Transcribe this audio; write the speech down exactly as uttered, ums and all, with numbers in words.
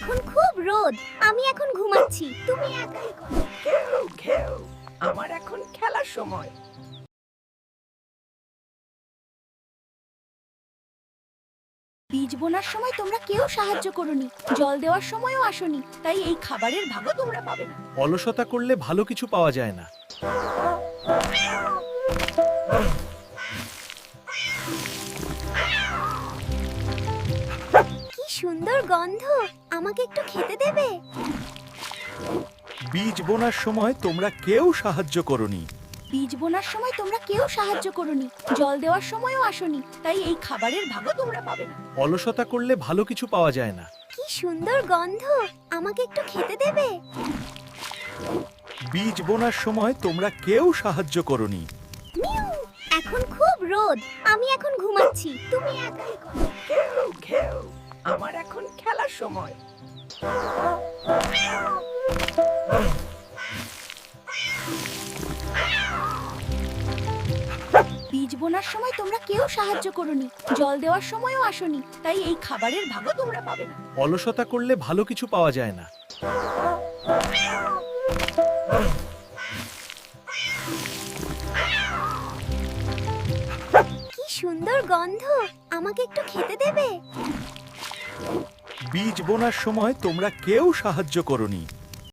এখন খুব রোদ, আমি এখন ঘুমাচ্ছি, তুমি একাই করো। ঘেউ ঘেউ, আমার এখন খেলার সময়। বীজ বোনার সময় তোমরা কেউ সাহায্য করোনি, জল দেওয়ার সময়ও আসোনি, তাই এই খাবারের ভাগও তোমরা পাবে না। অলসতা করলে ভালো কিছু পাওয়া যায় না। কি সুন্দর গন্ধ, আমাকে একটু খেতে দেবে? বীজ বোনার সময় তোমরা কেউ সাহায্য করোনি। বীজ বোনার সময় তোমরা কেউ সাহায্য করোনি, জল দেওয়ার সময়ও আসোনি, তাই এই খাবারের ভাগও তোমরা পাবে না। অলসতা করলে ভালো কিছু পাওয়া যায় না। কি সুন্দর গন্ধ, আমাকে একটু খেতে দেবে? বীজ বোনার সময় তোমরা কেউ সাহায্য করোনি। মিউ, এখন খুব রোদ, আমি এখন ঘুমাচ্ছি, তুমি একাই করো। ঘেউ ঘেউ, আমার এখন খেলার সময়। বীজ বোনার সময় তোমরা কেউ সাহায্য করোনি, জল দেওয়ার সময়ও আসোনি, তাই এই খাবারের ভাগও তোমরা পাবে না। অলসতা করলে ভালো কিছু পাওয়া যায় না। কি সুন্দর গন্ধ, আমাকে একটু খেতে দেবে? বীজ বোনার সময় তোমরা কেউ সাহায্য করোনি।